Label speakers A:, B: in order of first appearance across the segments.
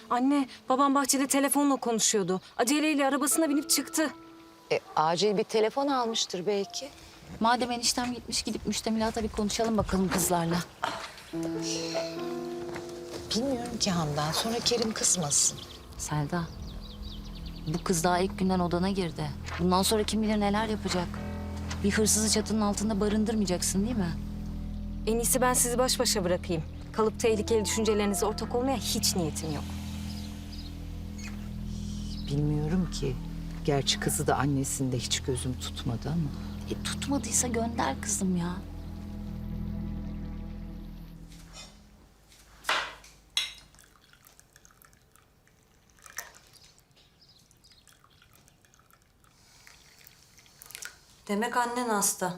A: Anne, babam bahçede telefonla konuşuyordu. Aceleyle arabasına binip çıktı.
B: Acil bir telefon almıştır belki.
C: Madem eniştem gitmiş, gidip müştemilata bir konuşalım bakalım kızlarla.
B: Bilmiyorum ki Handan. Sonra Kerim kızmasın.
C: Selda, bu kız daha ilk günden odana girdi. Bundan sonra kim bilir neler yapacak. Bir hırsızı çatının altında barındırmayacaksın değil mi?
A: En iyisi ben sizi baş başa bırakayım. Kalıp tehlikeli düşüncelerinize ortak olmaya hiç niyetim yok.
B: Bilmiyorum ki. Gerçi kızı da annesinde hiç gözüm tutmadı ama.
C: Tutmadıysa gönder kızım ya.
D: Demek annen hasta.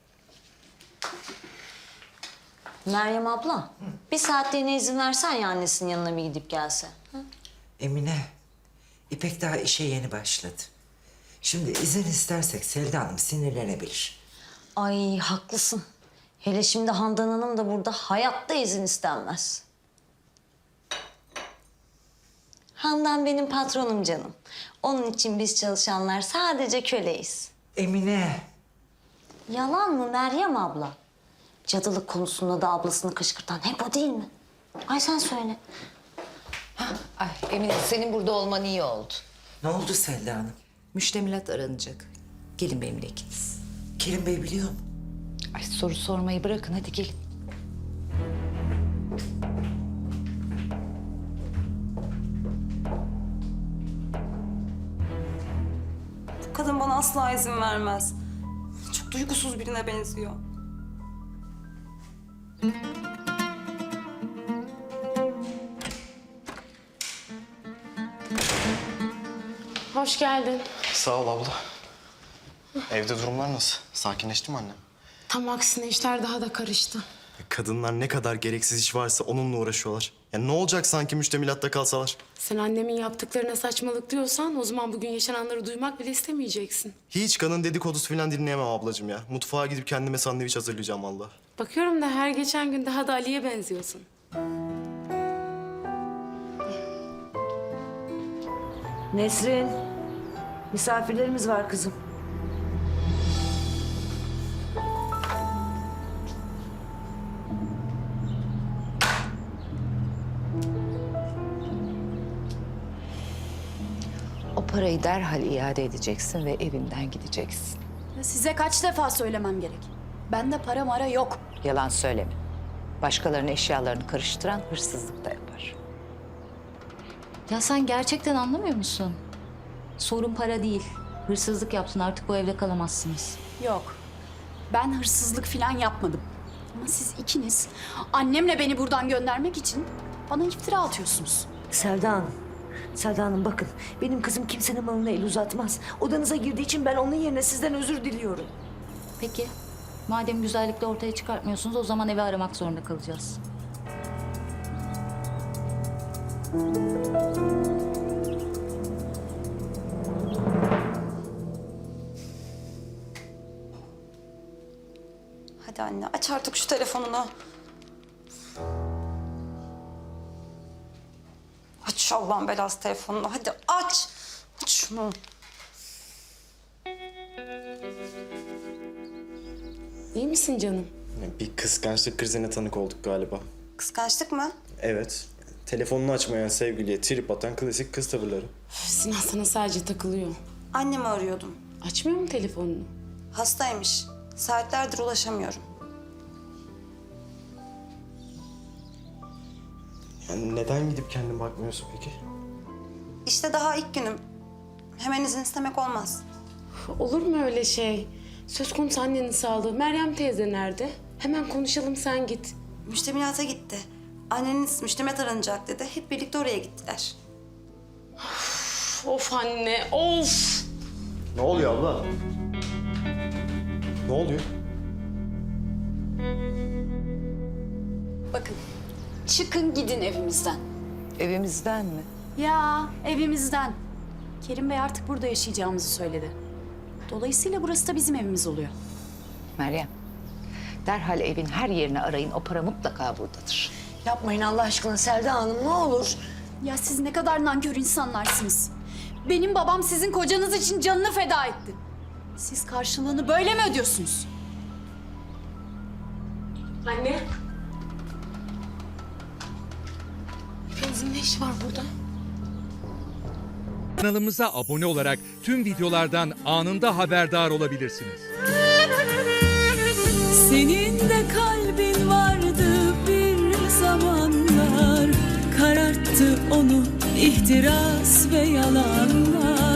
D: Meryem abla, bir saatliğine izin versen ya annesinin yanına bir gidip gelse.
E: Emine, İpek daha işe yeni başladı. Şimdi izin istersek Selda Hanım sinirlenebilir.
D: Ay haklısın. Hele şimdi Handan Hanım da burada hayatta izin istenmez. Handan benim patronum canım. Onun için biz çalışanlar sadece köleyiz.
E: Emine,
D: Yalan mı Meryem abla? Cadılık konusunda da ablasını kışkırtan hep o değil mi? Ay sen söyle.
B: Ay Emine senin burada olman iyi oldu.
E: ne oldu Selda Hanım?
B: Müştemilat aranacak. Gelin benimle ikiniz.
E: Kerim Bey biliyor mu?
B: Ay soru sormayı bırakın hadi gelin.
F: Bu kadın bana asla izin vermez. Çok duygusuz birine benziyor.
G: Hoş geldin.
H: Sağ ol abla. Evde durumlar nasıl? Sakinleşti mi annem?
G: Tam aksine işler daha da karıştı.
H: Kadınlar ne kadar gereksiz iş varsa onunla uğraşıyorlar. Ya ne olacak sanki müştemilatta kalsalar?
G: Sen annemin yaptıklarına saçmalık diyorsan o zaman bugün yaşananları duymak bile istemeyeceksin.
H: Hiç kadın dedikodusu falan dinleyemem ablacığım ya. Mutfağa gidip kendime sandviç hazırlayacağım vallahi.
G: Bakıyorum da her geçen gün daha da Ali'ye benziyorsun.
I: Nesrin, misafirlerimiz var kızım.
B: O parayı derhal iade edeceksin ve evinden gideceksin.
C: Size kaç defa söylemem gerek? Bende para mara yok.
B: Yalan söyleme. Başkalarının eşyalarını karıştıran hırsızlık da yapar.
C: Ya sen gerçekten anlamıyor musun? Sorun para değil. Hırsızlık yaptın, artık bu evde kalamazsınız.
J: Yok. Ben hırsızlık falan yapmadım. Ama siz ikiniz annemle beni buradan göndermek için bana iftira atıyorsunuz.
I: Selda Hanım, Selda Hanım bakın benim kızım kimsenin malına el uzatmaz. Odanıza girdiği için ben onun yerine sizden özür diliyorum.
C: Peki, madem güzellikle ortaya çıkartmıyorsunuz o zaman evi aramak zorunda kalacağız.
F: Hadi anne aç artık şu telefonunu. Aç şu Allah'ın belası telefonunu. Hadi aç. Aç şunu.
G: İyi misin canım?
H: Bir kıskançlık krizine tanık olduk galiba.
F: Kıskançlık mı?
H: Evet. Telefonunu açmayan sevgiliye trip atan klasik kız tavırları.
G: Üf, Sinan sana sadece takılıyor.
F: Annemi arıyordum.
G: Açmıyor mu telefonunu?
F: Hastaymış. Saatlerdir ulaşamıyorum.
H: Yani neden gidip kendin bakmıyorsun peki?
F: İşte daha ilk günüm. Hemen izin istemek olmaz.
G: Olur mu öyle şey? Söz konusu annenin sağlığı. Meryem teyze nerede? Hemen konuşalım sen git.
F: Müştemilata gitti. Anneniz müştemilat aranacak dedi. Hep birlikte oraya gittiler.
G: Of anne, of!
H: Ne oluyor abla? Ne oluyor?
J: Bakın çıkın gidin evimizden.
B: Evimizden mi?
J: Ya evimizden. Kerim Bey artık burada yaşayacağımızı söyledi. Dolayısıyla burası da bizim evimiz oluyor.
B: Meryem, derhal evin her yerini arayın. O para mutlaka buradadır.
I: Yapmayın Allah aşkına Selda Hanım ne olur.
J: Ya siz ne kadar nankör insanlarsınız. Benim babam sizin kocanız için canını feda etti. Siz karşılığını böyle mi ödüyorsunuz?
G: Anne. Filiz'in ne işi var burada?
K: Kanalımıza abone olarak tüm videolardan anında haberdar olabilirsiniz.
L: Senin de kalbin vardı bir zamanlar, kararttı onu ihtiras ve yalanlar.